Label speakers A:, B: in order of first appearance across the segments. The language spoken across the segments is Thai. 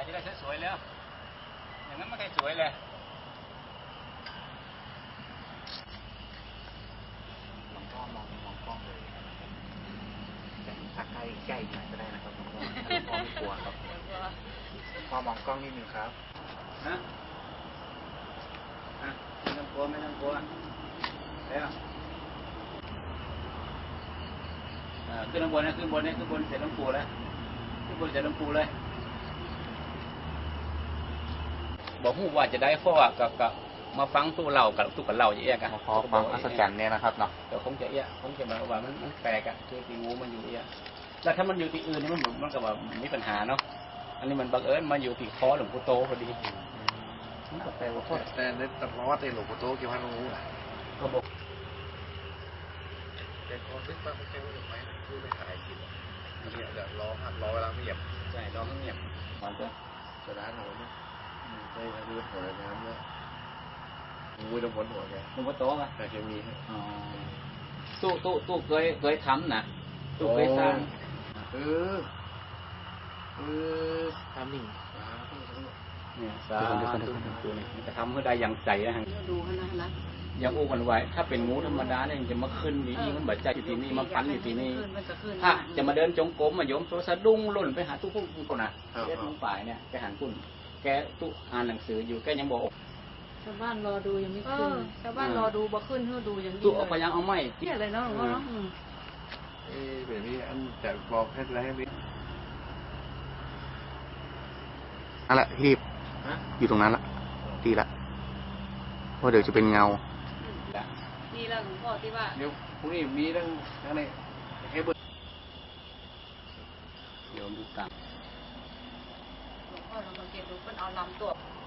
A: จะได้สวยๆแล้วอย่างนั้นไม่ค่อยสวยเลย
B: หลวงพ่อมองกล้องเลยแต่ถ้าใกล้หน่อยก็ได้นะครับหลวงพ่อไม่กลัวครับพ่อมองกล้องนิดนึงครับ
A: นะไม่ต้องกลัวแล้วขึ้นข้างบนนะขึ้นบนเสร็จหลวงปู่แล้วขึ้นบนเสร็จหลวงปู่เลยบอกฮู้ว่าจะได้เพราะว่ากับมาฟังตู้เล่ากับตู้กับเล่าจะแยกกัน
B: พอฟังอัศจรรย์เนี่ยนะครับเนาะ
A: แต่คงจะแบบว่ามันแปลกอะคือตีงูมันอยู่แล้วถ้ามันอยู่ที่อื่นนี่มันก็แบบมีปัญหาเนาะอันนี้มันบังเอิญมาอยู่ที่คอหลวงปู่โตพอดีมันก็แปลว่า
C: แต่ในตำราว่าเตหลวงปู่โตเกี่ยวกับงูนะ
A: ก็บอก
C: แต่คนนึกว่าเขาใช้ว่าไม้คือไม่ขายกินเนี่ยเดี๋ยวรอเวลาเงียบ
A: ใช่รอเงียบมัน
C: จะร้านเราเนี่ยใช่ครับดูหัวน้ำเนี่ยงูจะพ้นหัวแก
A: หลวงปู่โตอ่ะ
C: แต่เคมี
A: ตู้เคยทำนะตู้เคยสร้าง
B: ทำหนึ่ง
A: เนี่ยสาธุนี่จะทำเพื่อได้อย่างใจนะฮะ
D: ดูกันนะ
A: ยังอู้กันไว้ถ้าเป็นงูธรรมดาเนี่ยจะมาขึ้นอยู่นี่มันบาดใจอยู่ที่นี่มาปันอยู่ที่นี่ถ้าจะมาเดินจงกรมมาโยมโซสะดุ้งหล่นไปหาตู้พุ่งคนน่ะเรียกน้องฝ่ายเนี่ยไปหันพุ่นแกตู้อ่านหนังสืออยู่แกยังบอก
D: ชาวบ้านรอดูยังไม่ขึ้นชาวบ้านรอดูบ่ขึ้นเพื่อดูยัง
A: ตู้เอาไปยังเอาไม่
D: ที่อะไรเนาะหลวงพ่อเนาะ
C: แบบนี้อันแต่บอกให้อะไรให้
B: นั่นแหละรีบอยู่ตรงนั้นละดีละเพราะเดี๋ยวจะเป็นเงา
D: นี่แหละหลวงพ่อที่ว่า
A: เดี๋ยวพรุ่งนี้มีเรื่องอะไรให้เบิร์โยมดูตัง
D: หลวงพ่อลองสังเกตดูมันเอาลำตัว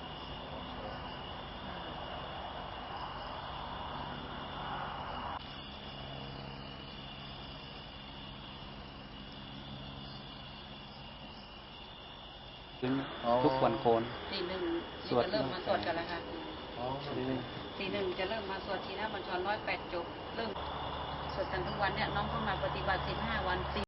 A: ทุกวันโคน
D: ตี 1จะเริ่มมาสวดกันแล้วค่ะตี 1จะเริ่มมาสวดทีนะบัญชร108 จบเริ่มสวดกันทุกวันเนี่ยน้องเข้ามาปฏิบัติ15 วัน